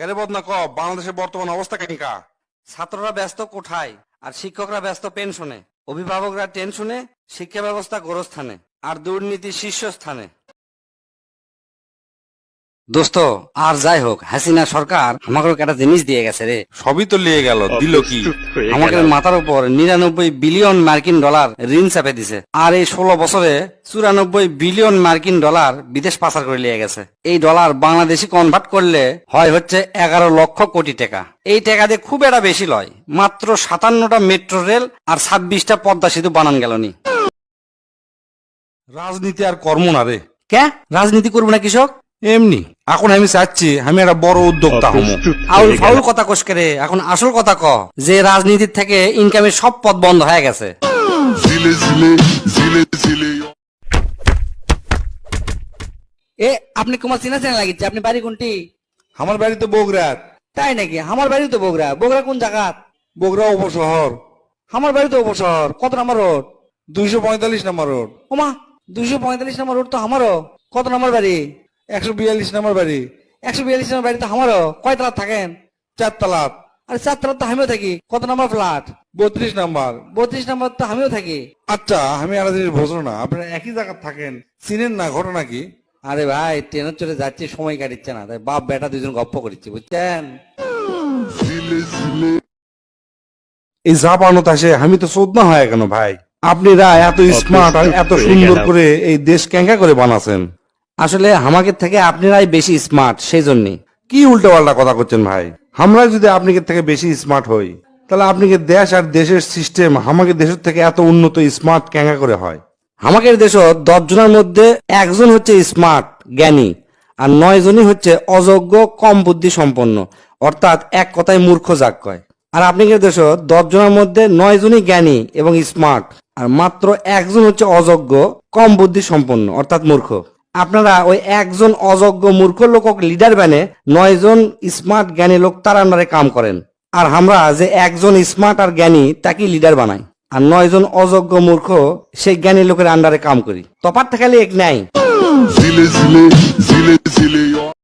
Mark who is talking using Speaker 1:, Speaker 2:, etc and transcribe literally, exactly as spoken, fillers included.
Speaker 1: কেরে বদনা ক বাংলাদেশের বর্তমান অবস্থা কেনিকা?
Speaker 2: ছাত্ররা ব্যস্ত কোঠায় আর শিক্ষকরা ব্যস্ত পেনশনে, অভিভাবকরা টেনশনে, শিক্ষা ব্যবস্থা গোরস্থানে আর দুর্নীতি শীর্ষস্থানে। দোস্ত আর যাই হোক, হাসিনা সরকার আমাকে একটা জিনিস দিয়ে গেছে রে।
Speaker 1: সবই তো লিয়ে গেল, দিল কি?
Speaker 2: আমাদের মাথার উপর নিরানব্বই বিলিয়ন মার্কিন ডলার ঋণ চাপে দিছে, আর এই ষোলো বছরে চুরানব্বই বিলিয়ন মার্কিন ডলার বিদেশ পাচার করে নিয়ে গেছে। এই ডলার বাংলাদেশি কনভার্ট করলে হয় হচ্ছে এগারো লক্ষ কোটি টাকা। এই টাকা দিয়ে খুব একটা বেশি লয়, মাত্র সাতান্নটা মেট্রো রেল আর ছাব্বিশটা পদ্মা সেতু বানান গেলনি।
Speaker 1: রাজনীতি আর কর্ম না রে।
Speaker 2: কে রাজনীতি করবো না কৃষক?
Speaker 1: এমনি এখন আমি চাচ্ছি আমি একটা বড় উদ্যোক্তা হবো।
Speaker 2: আউল ফাউল কথা কোষ করে, এখন আসল কথা ক, যে রাজনীতির থেকে ইনকামের সব পথ বন্ধ হয়ে গেছে। এ আপনি কুমার চিনা চেনা লাগিচ্ছে, আপনি বাড়ি কোনটি?
Speaker 1: আমার বাড়ি তো বগুড়ার।
Speaker 2: তাই নাকি? আমার বাড়ি তো বগুড়া। বগুড়া কোন জায়গা?
Speaker 1: বগুড়া উপশহর,
Speaker 2: আমার বাড়ি তো উপশহর। কত নম্বর রোড?
Speaker 1: দুইশো পঁয়তাল্লিশ নম্বর রোড।
Speaker 2: ওমা, দুইশো পঁয়তাল্লিশ নম্বর রোড তো আমারও। কত নম্বর বাড়ি?
Speaker 1: একশো বিয়াল্লিশ নম্বর বাড়ি।
Speaker 2: একশো বিয়াল্লিশ নম্বর বাড়ি তো আমারও। কয় তলা থাকেন?
Speaker 1: চারতলা।
Speaker 2: আরে চার তলা তো আমিও থাকি। কত নম্বর ফ্ল্যাট?
Speaker 1: বত্রিশ নাম্বার।
Speaker 2: বত্রিশ নম্বর তো আমিও থাকি।
Speaker 1: আচ্ছা আমি আর জিনিস বুঝলো না, আপনারা একই জায়গা থাকেন, চিনেন না, ঘটনা কি?
Speaker 2: আরে ভাই, ট্রেনের চড়ে যাচ্ছি, সময় কাটিচ্ছে না, তাই বাপ বেটা দুজন গপ্প করছি, বুঝছেন?
Speaker 1: এই যা বানত আসে আমি তো চোদনা হয় কেন ভাই? আপনারা এত স্মার্ট আর এত সুন্দর করে এই দেশ ক্যাঙ্কা করে বানাচ্ছেন।
Speaker 2: আসলে আমাদের থেকে আপনারাই বেশি স্মার্ট, সেই জন্যই।
Speaker 1: কি উল্টো পাল্টা কথা করছেন ভাই? আমরা যদি আপনাদের থেকে বেশি স্মার্ট হই, তাহলে আপনাকে দেশ আর দেশের সিস্টেম আমাদের দেশের থেকে এত উন্নত স্মার্ট ক্যাঙ্কা করে হয়?
Speaker 2: আমাদের দেশ দশ জনের মধ্যে একজন হচ্ছে স্মার্ট জ্ঞানী, আর নয় জনই হচ্ছে অযোগ্য কম বুদ্ধি সম্পন্ন, অর্থাৎ এক কথায় মূর্খ যাক কয়। আর আপনাদের দেশ দশ জনের মধ্যে নয় জনই জ্ঞানী এবং স্মার্ট, আর মাত্র একজন হচ্ছে অযোগ্য কম বুদ্ধি সম্পন্ন অর্থাৎ মূর্খ। আপনারা ওই একজন অযোগ্য মূর্খ লোক লিডার বানে নয় জন স্মার্ট জ্ঞানী লোক তার আন্ডারে কাম করেন, আর আমরা যে একজন স্মার্ট আর জ্ঞানী তাকে লিডার বানাই, আর নয় জন অযোগ্য মূর্খ সেই জ্ঞানী লোকের আন্ডারে কাম করি। তফাৎ খালি এক নাই।